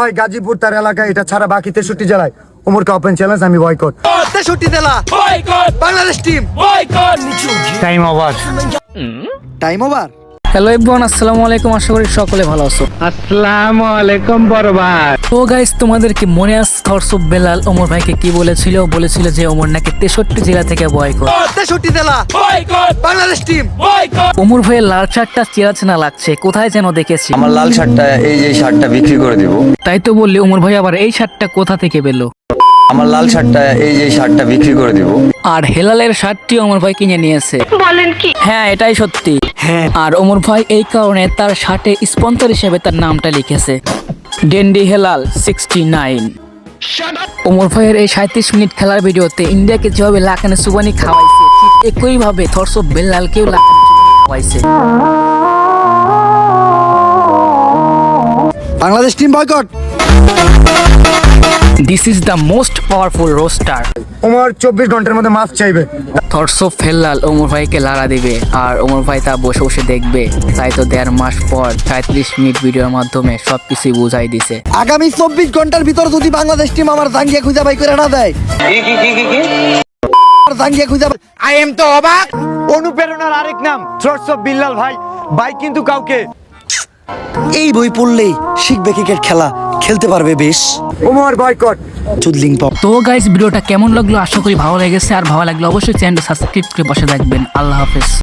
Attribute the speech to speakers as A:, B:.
A: হয় গাজীপুর তার এলাকা, এটা ছাড়া বাকি 63 জেলায় ওমরকে ওপেন চ্যালেঞ্জ, আমি বয়কট।
B: 63 জেলা
C: boycott,
B: Bangladesh team
C: boycott.
A: Time over.
B: Time over.
D: Hello everyone, আসসালামু আলাইকুম। আশা করি সকলে ভালো আছো।
E: আসসালামু আলাইকুম বড় ভাই।
D: তো গাইস, তোমাদের কি মনে আছে থটস অফ বেলাল ওমর ভাইকে কি বলেছিল? বলেছিল যে ওমর নাকি 63 জেলা থেকে বয়কট।
B: 63 জেলা
C: boycott,
B: Bangladesh team
C: boycott.
D: Omar ভাইয়ের লাল শার্টটা চেনা চেনা লাগছে, কোথায় যেন দেখেছি।
F: আমার লাল শার্টটা, এই যে শার্টটা বিক্রি করে দিব।
D: তাই তো বললি ওমর ভাই আবার এই শার্টটা কোথা থেকে পেলো?
F: আমার লাল শার্টটা, এই যে শার্টটা বিক্রি করে দিব।
D: আর হেলালের শার্টটি ওমর ভাই কিনে নিয়েছে। বলেন কি? হ্যাঁ, এটাই সত্যি।
B: হ্যাঁ।
D: আর ওমর ভাই এই কারণে তার শার্টে স্পন্সর হিসেবে তার নামটা লিখেছে, ডেন্ডি হেলাল 69। ওমর ভাইয়ের এই 37 মিনিট খেলার ভিডিওতে ইন্ডিয়াকে যেভাবে লাকানে সুবানি খাওয়াইছে, ঠিক একই ভাবে থটস অফ বেলালকেও লাকানে সুবানি খাওয়াইছে।
B: Bangladesh team boycott.
D: This is the most powerful roster.
A: Omar 24 ঘন্টার মধ্যে মাফ চাইবে।
D: থটস অফ হেলাল ওমর ভাইকে লাড়া দিবে আর ওমর ভাই তা বসে বসে দেখবে। তাই তো 1.5 মাস পর 37 মিনিট ভিডিওর মাধ্যমে সবকিছু বুঝাই দিছে।
B: আগামী 24 ঘন্টার ভিতর যদি বাংলাদেশ টিম আমার জাঙ্গিয়া খুঁজে বাই করে না দেয়, জাঙ্গিয়া খুঁজে
E: আই এম তো অবাক। অনুপ্রেরণার আরেক নাম থটস অফ বিল্লাল ভাই। ভাই কিন্তু কাউকে
B: এই বই পড়লেই শিখবে ক্রিকেট খেলা, খেলতে পারবে বেশ।
A: ওমর বয়কট।
B: চুদলিং পপ।
D: তো গাইস, ভিডিওটা কেমন লাগলো? আশা করি ভালো লেগেছে। আর ভালো লাগলে অবশ্যই চ্যানেলটা সাবস্ক্রাইব করে পাশে থাকবেন। আল্লাহ হাফেজ।